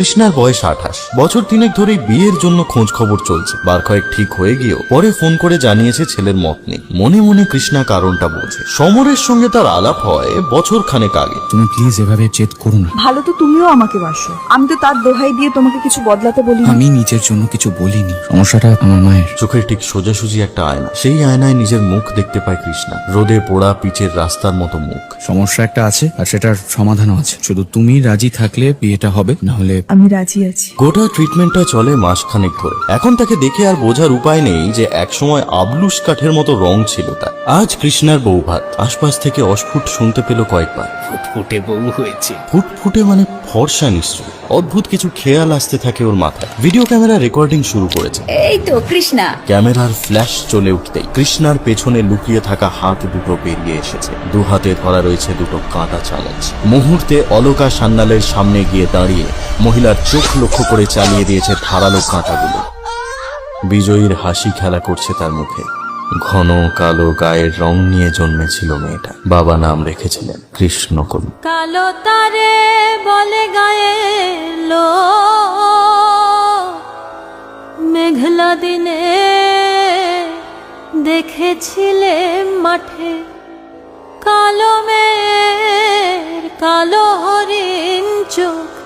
কৃষ্ণার বয়স 28। বছর 3 ধরেই বিয়ের জন্য খোঁজ খবর চলছে। বার কয়েক ঠিক হয়ে গিয়েও পরে ফোন করে জানিয়েছে ছেলের মত নেই। মনে মনে কৃষ্ণা কারণটা বোঝে। সমরের সঙ্গে তার আলাপ হয় বছর খানেক আগে। তুমি প্লিজ এভাবে জেদ করো না। ভালো তো তুমিও আমাকে বাসো, আমি তো তার দোহাই দিয়ে তোমাকে কিছু বদলাতে বলিনি। আমি নিজের জন্য কিছু বলিনি, সমস্যাটা আমার মায়ের। চোখের ঠিক সোজাসুজি একটা আয়না, সেই আয়নায় নিজের মুখ দেখতে পায় কৃষ্ণা। রোদে পোড়া পিচের রাস্তার মতো মুখ। সমস্যা একটা আছে আর সেটার সমাধানও আছে, শুধু তুমি রাজি থাকলে বিয়েটা হবে, না হলে আমি রাজি আছি। গোটা ট্রিটমেন্টটা চলে মাসখানেক ধরে। এখন তাকে দেখে আর বোঝার উপায় নেই যে একসময় আবলুস কাঠের মতো রং ছিল তার। আজ কৃষ্ণার বৌভাত। আশপাশ থেকে অস্ফুট শুনতে পেল কয়েকবার, ফুটফুটে বউ হয়েছে। ফুটফুটে মানে ফর্সা নিশ্চয়। অদ্ভুত কিছু খেয়াল আসতে থাকে ওর মাথায়। ভিডিও ক্যামেরা রেকর্ডিং শুরু করেছে। এই তো কৃষ্ণা। ক্যামেরার ফ্ল্যাশ চলে উঠতেই কৃষ্ণার পেছনে লুকিয়ে থাকা হাত দুটো বেরিয়ে এসেছে। দু হাতে ধরা রয়েছে দুটো কাঁটা চালাচ। মুহূর্তে অলকা সান্যালের সামনে গিয়ে দাঁড়িয়ে মহিলার চোখ লক্ষ্য করে চালিয়ে দিয়েছে ধারালো কাঁটাগুলো। বিজয়ীর হাসি খেলা করছে তার মুখে। ঘন কালো গায়ের রং নিয়ে জন্মেছিল মেয়েটা। বাবা নাম রেখেছিলেন কৃষ্ণকলি। কালো তারে বলে গায়ে লো, মেঘলা দিনে দেখেছিলে মাঠে, কালো মেয়ের কালো হরিণ চোখ